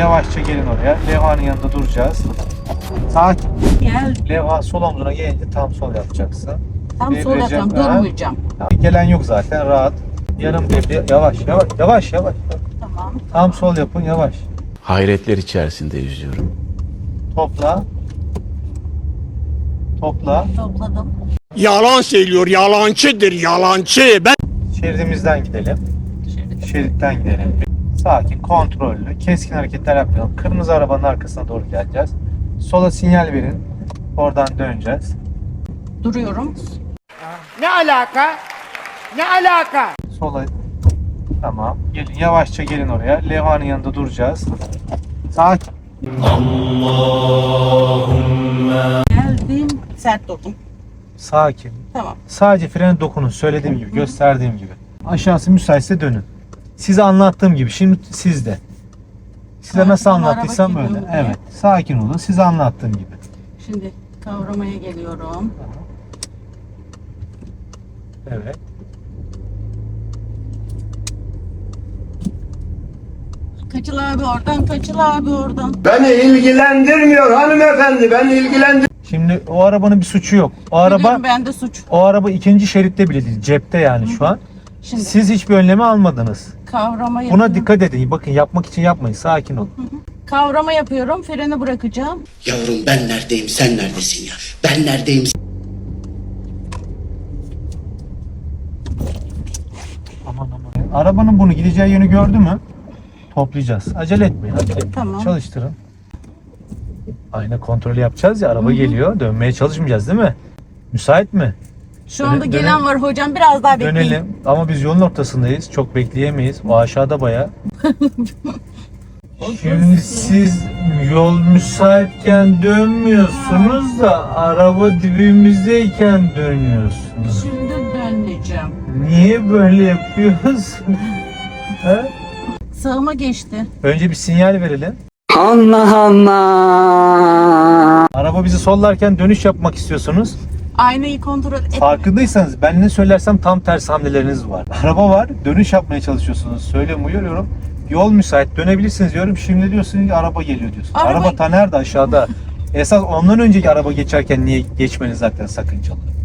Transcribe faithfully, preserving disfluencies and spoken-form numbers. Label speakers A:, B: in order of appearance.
A: yavaşça gelin oraya. Levhanın yanında duracağız. Sakin.
B: Gel.
A: Levha sol omzuna gelince tam sol yapacaksın.
B: Tam sol
A: Devireceğim.
B: yapacağım.
A: Ha.
B: Durmayacağım.
A: Gelen yok zaten, rahat. Yarım devre, yavaş yavaş yavaş yavaş.
B: Tamam.
A: Tam sol yapın, yavaş.
C: Hayretler içerisinde yüzüyorum.
A: Topla. Topla.
B: Topladım.
D: Yalan söylüyor, yalancıdır, yalancı. Ben
A: Şeridimizden gidelim.
B: Şöyle.
A: Şeritten gidelim. Sakin, kontrollü, keskin hareketler yapmayalım. Kırmızı arabanın arkasına doğru geleceğiz. Sola sinyal verin. Oradan döneceğiz.
B: Duruyorum.
D: Ne alaka? Ne alaka?
A: Sola. Tamam. Gelin, yavaşça gelin oraya. Levhanın yanında duracağız. Sakin.
B: Geldim. Sert durdum.
A: Sakin.
B: Tamam.
A: Sadece frene dokunun. Söylediğim gibi, gösterdiğim gibi. Aşağısı müsaitse dönün. Size anlattığım gibi. Şimdi sizde. Size
B: Sakin
A: nasıl
B: ol,
A: anlattıysam
B: araba
A: öyle.
B: gidiyor buraya.
A: Evet. Sakin olun. Size anlattığım gibi.
B: Şimdi kavramaya geliyorum.
A: Evet.
B: Kaçıl abi oradan, kaçıl abi oradan.
E: Beni ilgilendirmiyor hanımefendi, beni ilgilendir.
A: Şimdi o arabanın bir suçu yok. O araba
B: Biliyorum, bende suç.
A: o araba ikinci şeritte bile değil. Cepte yani şu an.
B: Şimdi
A: Siz hiçbir önlemi almadınız.
B: kavrama
A: Buna
B: yapıyorum.
A: dikkat edin. Bakın, yapmak için yapmayın. Sakin olun.
B: Kavrama yapıyorum. Freni bırakacağım.
F: Yavrum ben neredeyim, sen neredesin ya? Ben neredeyim,
A: Aman aman. Arabanın bunu gideceği yönü gördü mü? Toplayacağız. Acele etmeyin. Acele etmeyin.
B: Tamam.
A: Çalıştırın. Ayna kontrolü yapacağız ya. Araba geliyor. Dönmeye çalışmayacağız değil mi? Müsait mi?
B: Şu anda
A: Döne-
B: gelen
A: döne-
B: var hocam. Biraz daha bekleyin.
A: Dönelim. Ama biz yolun ortasındayız. Çok bekleyemeyiz. O aşağıda baya. Şimdi siz yol müsaitken dönmüyorsunuz da araba dibimizdeyken dönüyorsunuz.
B: Şimdi döneceğim.
A: Niye böyle yapıyoruz? Ha?
B: Sağıma geçti.
A: Önce bir sinyal verelim.
F: Allah Allah.
A: Araba bizi sollarken dönüş yapmak istiyorsunuz.
B: Aynayı kontrol et.
A: Farkındaysanız ben ne söylersem tam tersi hamleleriniz var. Araba var, dönüş yapmaya çalışıyorsunuz. Söylüyorum, uyarıyorum. Yol müsait, dönebilirsiniz diyorum. Şimdi diyorsun ki araba geliyor diyorsun.
B: Araba-
A: Araba ta nerede, aşağıda. Esas ondan önceki araba geçerken niye geçmeniz zaten sakıncalı.